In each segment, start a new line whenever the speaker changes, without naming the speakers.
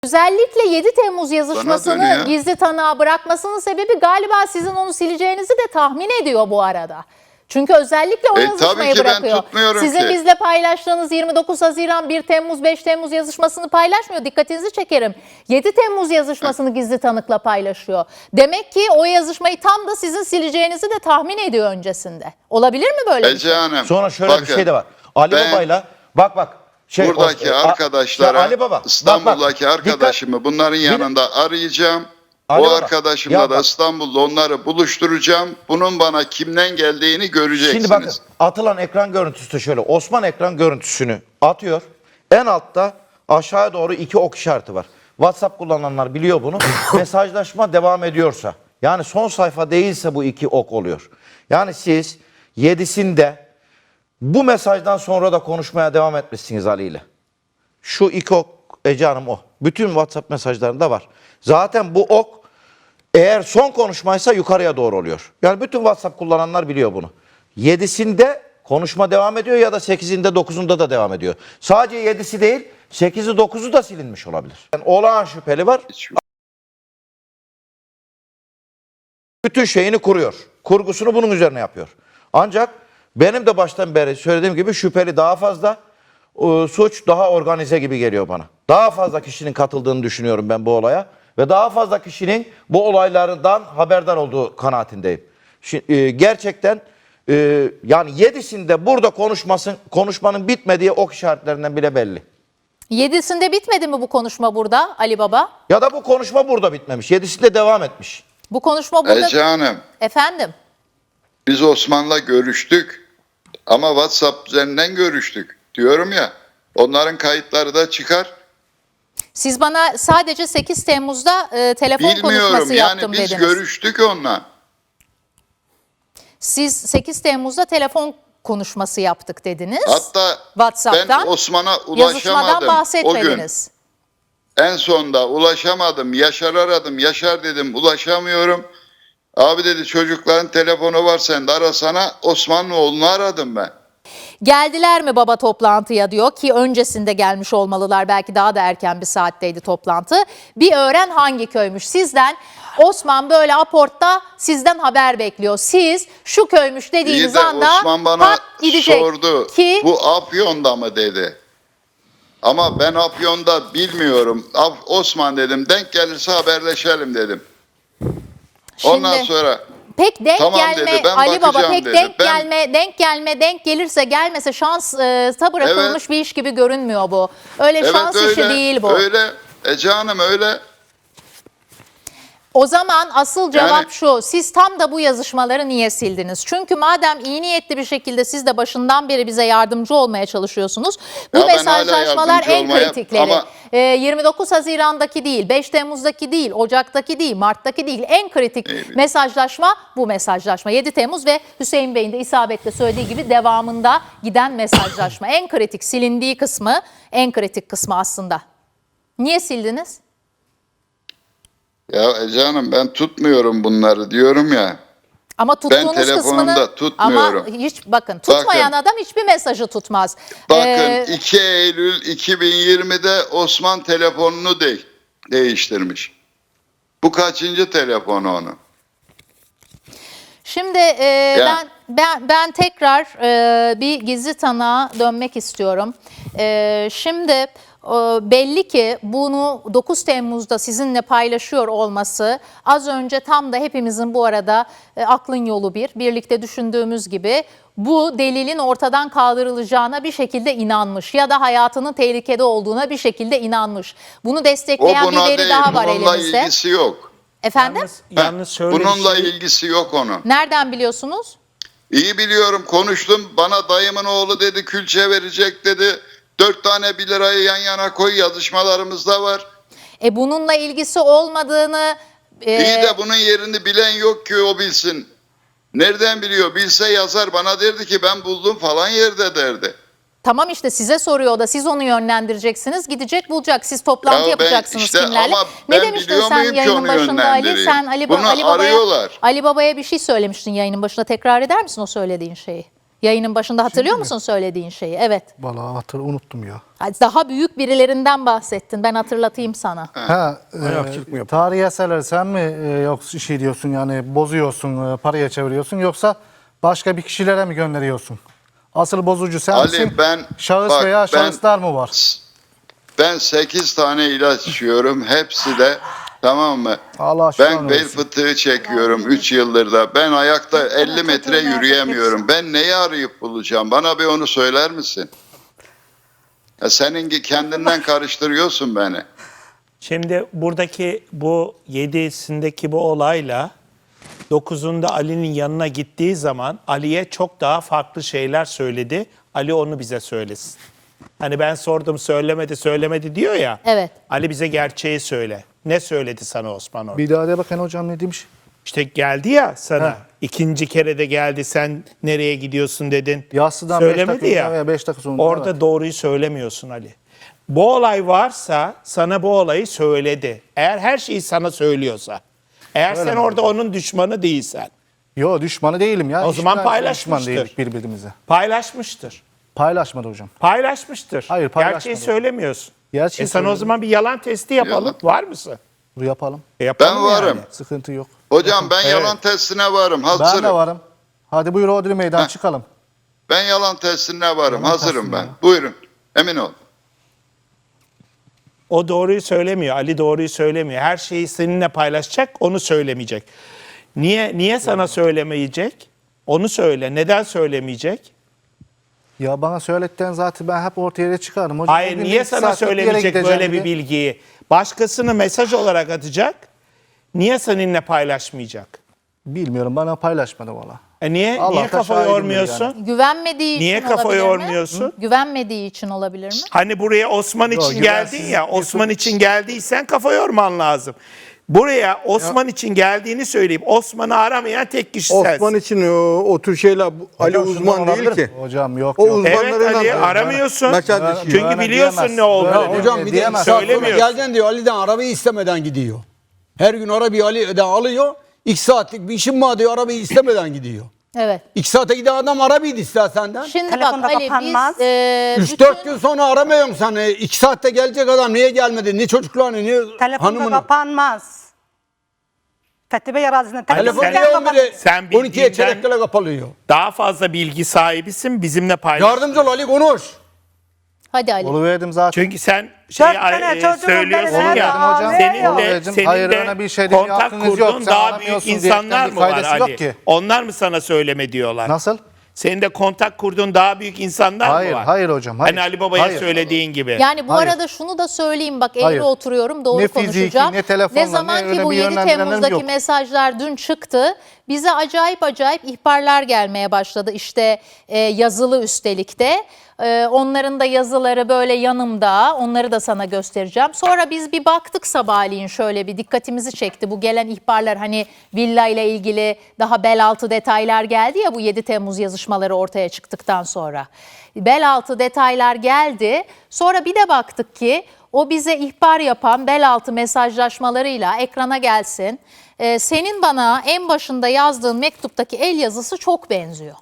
Özellikle 7 Temmuz yazışmasını
dönüyor.
gizli tanığa bırakmasının sebebi galiba sizin onu sileceğinizi de tahmin ediyor bu arada. Çünkü özellikle o yazışmayı
tabii ki
bırakıyor.
ben tutmuyorum
Sizin
ki.
bizle paylaştığınız 29 Haziran, 1 Temmuz, 5 Temmuz yazışmasını paylaşmıyor. Dikkatinizi çekerim. 7 Temmuz yazışmasını gizli tanıkla paylaşıyor. Demek ki o yazışmayı tam da sizin sileceğinizi de tahmin ediyor öncesinde. Olabilir mi böyle bir şey?
Hanım,
Sonra şöyle bir şey de var. Ali
ben
Baba'yla bak.
buradaki arkadaşlara,
Ali Baba,
İstanbul'daki
bak,
arkadaşımı bunların yanında arayacağım.
Ali
O
Baba,
arkadaşımla
ya
da
bak.
İstanbul'da onları buluşturacağım. Bunun bana kimden geldiğini göreceksiniz.
Şimdi bakın, atılan ekran görüntüsü de şöyle. Osman ekran görüntüsünü atıyor. En altta aşağıya doğru 2 ok işareti var. WhatsApp kullananlar biliyor bunu. Mesajlaşma devam ediyorsa, yani son sayfa değilse bu 2 ok oluyor. Yani siz 7'sinde bu mesajdan sonra da konuşmaya devam etmişsiniz Ali ile. Şu 2 ok Ece Hanım o. Bütün WhatsApp mesajlarında var. Zaten bu ok eğer son konuşmaysa yukarıya doğru oluyor. Yani bütün WhatsApp kullananlar biliyor bunu. 7'sinde konuşma devam ediyor ya da 8'inde 9'unda da devam ediyor. Sadece 7'si değil 8'i 9'u da silinmiş olabilir. Yani olağan şüpheli var. Bütün şeyini kuruyor. Kurgusunu bunun üzerine yapıyor. Ancak benim de baştan beri söylediğim gibi şüpheli daha fazla, suç daha organize gibi geliyor bana. Daha fazla kişinin katıldığını düşünüyorum ben bu olaya. Ve daha fazla kişinin bu olaylardan haberdar olduğu kanaatindeyim. Şimdi, gerçekten yani 7'sinde burada konuşmanın bitmediği ok işaretlerinden bile belli.
7'sinde bitmedi mi bu konuşma burada Ali Baba?
Ya da bu konuşma burada bitmemiş. 7'sinde devam etmiş.
Bu konuşma burada...
Ece Hanım,
Efendim?
biz Osman'la görüştük ama WhatsApp üzerinden görüştük. Diyorum ya, onların kayıtları da çıkar.
Siz bana sadece 8 Temmuz'da telefon
Bilmiyorum
konuşması
yani
yaptım
biz
dediniz.
görüştük onunla.
Siz 8 Temmuz'da telefon konuşması yaptık dediniz.
Hatta
WhatsApp'tan
ben Osman'a
yazışmadan
ulaşamadım o gün.
bahsetmediniz.
En sonda ulaşamadım. Yaşar aradım. Yaşar dedim ulaşamıyorum. Abi dedi çocukların telefonu var sende arasana. Osman'ın oğlunu aradım ben.
Geldiler mi baba toplantıya diyor ki öncesinde gelmiş olmalılar, belki daha da erken bir saatteydi toplantı. Bir öğren hangi köymüş sizden. Osman böyle aportta sizden haber bekliyor. Siz şu köymüş dediğiniz
İyi de
anda
Osman bana
pat gidecek
sordu.
ki
Bu Afyon'da mı dedi. Ama ben Afyon'da bilmiyorum. Osman dedim denk gelirse haberleşelim dedim. Ondan
Şimdi-
sonra
pek denk
tamam
gelme
dedi, ben
Ali Baba,
bakacağım
pek
dedi.
denk gelirse gelmese şansa bırakılmış
Evet.
bir iş gibi görünmüyor bu. Öyle şans işi değil bu.
Öyle Ece Hanım öyle.
O zaman asıl cevap
Yani-
şu: siz tam da bu yazışmaları niye sildiniz? Çünkü madem iyi niyetli bir şekilde siz de başından beri bize yardımcı olmaya çalışıyorsunuz. Bu
Ya ben hala
mesajlaşmalar
yardımcı
en
olmaya-
kritikleri.
ama-
29 Haziran'daki değil, 5 Temmuz'daki değil, Ocak'taki değil, Mart'taki değil. En kritik
Evet.
mesajlaşma bu mesajlaşma. 7 Temmuz ve Hüseyin Bey'in de isabetle söylediği gibi devamında giden mesajlaşma. En kritik, silindiği kısmı, en kritik kısmı aslında. Niye sildiniz?
Ya Ece Hanım ben tutmuyorum bunları diyorum ya.
Ama tuttuğunuz
telefonumda
kısmını
tutmuyorum.
ama hiç bakın tutmayan adam hiçbir mesajı tutmaz.
Bakın 2 Eylül 2020'de Osman telefonunu değiştirmiş. Bu kaçıncı telefonu onun?
Şimdi
Ya.
ben tekrar bir gizli tanığa dönmek istiyorum. Şimdi belli ki bunu 9 Temmuz'da sizinle paylaşıyor olması az önce tam da hepimizin bu arada aklın yolu birlikte düşündüğümüz gibi bu delilin ortadan kaldırılacağına bir şekilde inanmış ya da hayatının tehlikede olduğuna bir şekilde inanmış. Bunu
O
destekleyen bir
buna
veri
değil,
daha var
bununla
elimizde.
ilgisi yok.
Efendim?
Yalnız şöyle bir
Bununla
şey-
ilgisi yok onun.
Nereden biliyorsunuz?
İyi biliyorum konuştum. Bana dayımın oğlu dedi külçe verecek dedi. 4 tane 1 lirayı yan yana koy yazışmalarımızda var.
Bununla ilgisi olmadığını
İyi de bunun yerini bilen yok ki o bilsin. Nereden biliyor? Bilse yazar bana derdi ki ben buldum falan yerde derdi.
tamam işte size soruyor da siz onu yönlendireceksiniz, gidecek bulacak, siz toplantı
Ya ben
yapacaksınız
işte
kimlerle.
ama
Ne
ben
demiştin
biliyor
sen
muyum ki
yayının
onu
başında Ali?
yönlendireyim?
Sen
Bunu arıyorlar.
Ali Baba'ya bir şey söylemiştin yayının başında, tekrar eder misin o söylediğin şeyi? Yayının başında hatırlıyor musun söylediğin şeyi? Evet.
Vallahi unuttum ya.
Daha büyük birilerinden bahsettin. Ben hatırlatayım sana.
Ayakçılık mı tarihi eserleri sen mi yok şey diyorsun yani bozuyorsun, paraya çeviriyorsun yoksa başka bir kişilere mi gönderiyorsun? Asıl bozucu sen misin? Şahıs veya şahıslar mı var?
Ben 8 tane ilaç içiyorum. Hepsi de tamam mı?
Allah
Ben bel fıtığı çekiyorum 3 yıldır da. Ben ayakta 50 metre yürüyemiyorum. Ben neyi arayıp bulacağım? Bana bir onu söyler misin? Ya senin kendinden karıştırıyorsun beni.
Şimdi buradaki bu 7'sindeki bu olayla 9'unda Ali'nin yanına gittiği zaman Ali'ye çok daha farklı şeyler söyledi. Ali onu bize söylesin. Hani ben sordum söylemedi diyor ya.
Evet.
Ali bize gerçeği söyle. Ne söyledi sana Osman orada?
Bir daha de bakın hocam ne demiş?
İşte geldi ya sana.
He.
İkinci kere de geldi. Sen nereye gidiyorsun dedin.
Yassıdan 5
Söylemedi
dakika
ya.
veya 5 dakika sonra.
Orada
evet.
doğruyu söylemiyorsun Ali. Bu olay varsa sana bu olayı söyledi. Eğer her şeyi sana söylüyorsa. Eğer sen orada onun düşmanı değilsen.
Yo düşmanı değilim ya.
O zaman
Düşman
paylaşmıştır.
değildik birbirimize.
Paylaşmıştır.
Paylaşmadı hocam.
Paylaşmıştır.
Hayır, paylaşmadı.
Gerçeği söylemiyorsun.
Gerçeği
Sana o
söyledim.
zaman bir yalan testi yapalım.
Yalan.
Var mısın?
Bunu yapalım.
Yapalım
Ben varım.
yani.
Sıkıntı yok.
Hocam ben
Evet.
yalan testine varım.
Ben
Hazırım.
de varım. Hadi buyur Odri meydan çıkalım.
Ben yalan testine varım.
Yalan
Hazırım
testine
ben.
ya.
Buyurun. Emin ol.
O doğruyu söylemiyor. Ali doğruyu söylemiyor. Her şeyi seninle paylaşacak, onu söylemeyecek. Niye sana söylemeyecek? Onu söyle. Neden söylemeyecek?
Ya bana söyletten zaten ben hep ortaya çıkarım. Hocam,
Hayır,
bugün
niye
bir
sana
saatlik bir yere
söylemeyecek
gideceğim
böyle bir
diye.
bilgiyi? Başkasını mesaj olarak atacak. Niye seninle paylaşmayacak?
Bilmiyorum bana paylaşmadı valla.
Niye
Allah da
kafa
şahidimdir
yormuyorsun?
yani.
Güvenmediği
Niye
için
kafa
olabilir mi?
yormuyorsun?
Güvenmediği için olabilir mi?
Hani buraya Osman için
Yok,
geldin
güvensiz
ya,
bir
Osman
sonuç.
için geldiysen kafa yorman lazım. Buraya Osman için geldiğini söyleyip Osman'ı aramayan tek kişi
Osman
sensin.
için o tür şeyler Ali
Hocam,
uzman
şundan
değil
olabilir
ki.
mi? Hocam yok
O
yok.
uzmanlarıyla
Evet Ali
da-
aramıyorsun.
Mesela
Çünkü
Güvene
biliyorsun
diyemez.
ne olduğunu.
Güvene-
Hocam bir de
Diyemez.
saat sonra
Söylemiyorsun.
geleceksin diyor Ali'den arabayı istemeden gidiyor. Her gün arabayı Ali'den alıyor. 2 saatlik bir işim var diyor arabayı istemeden gidiyor.
Evet.
2 saate giden adam arabayı da ister senden.
Şimdi
Telefonda
bak Ali
kapanmaz.
biz
3-4 gün sonra aramıyorsun sen. 2 saatte gelecek adam niye gelmedi? Ne çocuklarını ne
Telefonda
hanımını.
kapanmaz. Fethi Bey arazisinde
Telefon
Sen-
niye 11'e
sen
12'ye
bildiğinden-
çeyrekle kapalıyor.
Daha fazla bilgi sahibisin bizimle paylaş.
Yardımcı ol Ali konuş.
Hadi Ali.
Oluverdim zaten.
Çünkü sen
Dört tane çocuğum
söylüyorsun
benim
ya.
evde hocam.
Senin de,
Oluverdim.
senin
Hayır,
de
öyle bir şey değil,
kontak
aklınız yok.
kurduğun
Sen
daha büyük
aramıyorsun
insanlar
diyerekten bir
mı var
faydası
Ali?
yok ki.
Onlar mı sana söyleme diyorlar?
Nasıl?
Senin de kontak kurduğun daha büyük insanlar
Hayır,
mı var?
hayır hocam, hayır.
Hani Ali Baba'ya
Hayır.
söylediğin gibi.
Yani bu
Hayır.
arada şunu da söyleyeyim bak eğri
Hayır.
oturuyorum doğru
Ne fiziki,
konuşacağım.
ne telefonla,
Ne
ne
zaman
öyle
ki bu
bir
7
yönlendirmelerim
Temmuz'daki
yok.
mesajlar dün çıktı bize acayip ihbarlar gelmeye başladı. İşte yazılı üstelik de. Onların da yazıları böyle yanımda onları da sana göstereceğim. Sonra biz bir baktık sabahleyin şöyle bir dikkatimizi çekti. Bu gelen ihbarlar hani villa ile ilgili daha bel altı detaylar geldi ya bu 7 Temmuz yazışmaları ortaya çıktıktan sonra. Bel altı detaylar geldi. Sonra bir de baktık ki o bize ihbar yapan bel altı mesajlaşmalarıyla ekrana gelsin. Senin bana en başında yazdığın mektuptaki el yazısı çok benziyor.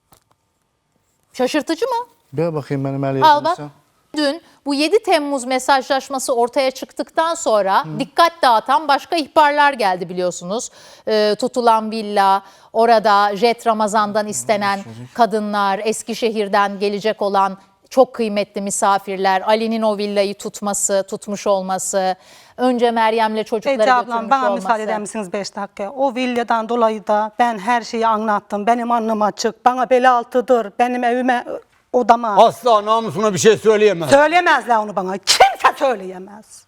Şaşırtıcı mı?
Bir bakayım benim el
Al bak.
yazımsa.
Dün bu 7 Temmuz mesajlaşması ortaya çıktıktan sonra dikkat dağıtan başka ihbarlar geldi biliyorsunuz. Tutulan villa, orada Jet Ramazan'dan istenen kadınlar, Eskişehir'den gelecek olan çok kıymetli misafirler, Ali'nin o villayı tutmuş olması, önce Meryem'le çocukları
Ece ablam
götürmüş
bana
olması.
müsaade eder misiniz 5 dakika? O villadan dolayı da ben her şeyi anlattım. Benim alnım açık. Bana bel altıdır. Benim evime, odama.
Asla namusuna bir şey söyleyemez.
Söyleyemezler onu bana. Kimse söyleyemez.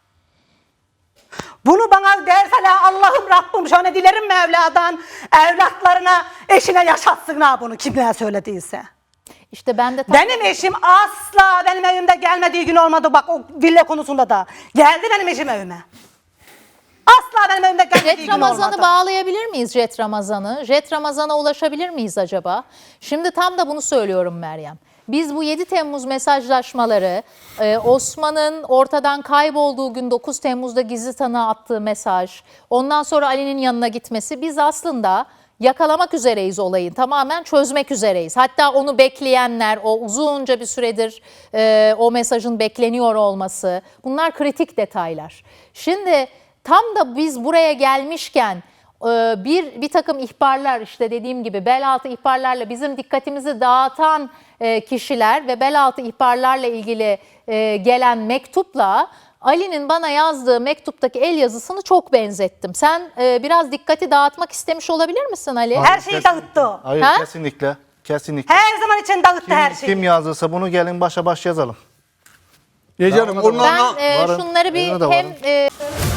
Bunu bana derseler Allah'ım Rabbim şöyle dilerim Mevla'dan evlatlarına, eşine yaşatsınlar bunu kimler söylediyse.
İşte ben de
Benim eşim asla benim evimde gelmediği gün olmadı bak o villa konusunda da. Geldi benim eşim evime. Asla benim evimde gelmediği
Jet
gün
Ramazan'ı
olmadı.
bağlayabilir miyiz Jet Ramazan'ı? Jet Ramazan'a ulaşabilir miyiz acaba? Şimdi tam da bunu söylüyorum Meryem. Biz bu 7 Temmuz mesajlaşmaları, Osman'ın ortadan kaybolduğu gün 9 Temmuz'da gizli tanığa attığı mesaj, ondan sonra Ali'nin yanına gitmesi biz aslında yakalamak üzereyiz olayı. Tamamen çözmek üzereyiz. Hatta onu bekleyenler, o uzunca bir süredir o mesajın bekleniyor olması, bunlar kritik detaylar. Şimdi tam da biz buraya gelmişken bir takım ihbarlar, işte dediğim gibi bel altı ihbarlarla bizim dikkatimizi dağıtan kişiler ve bel altı ihbarlarla ilgili gelen mektupla Ali'nin bana yazdığı mektuptaki el yazısını çok benzettim. Sen biraz dikkati dağıtmak istemiş olabilir misin Ali?
Her şeyi dağıttı o.
Hayır,
Ha?
kesinlikle. Kesinlikle.
Her zaman için dağıttı her şeyi.
Kim yazdıysa bunu gelin başa baş yazalım.
Canım
Varım.
Ben
onlarla
şunları bir
Yanına da
hem
varım.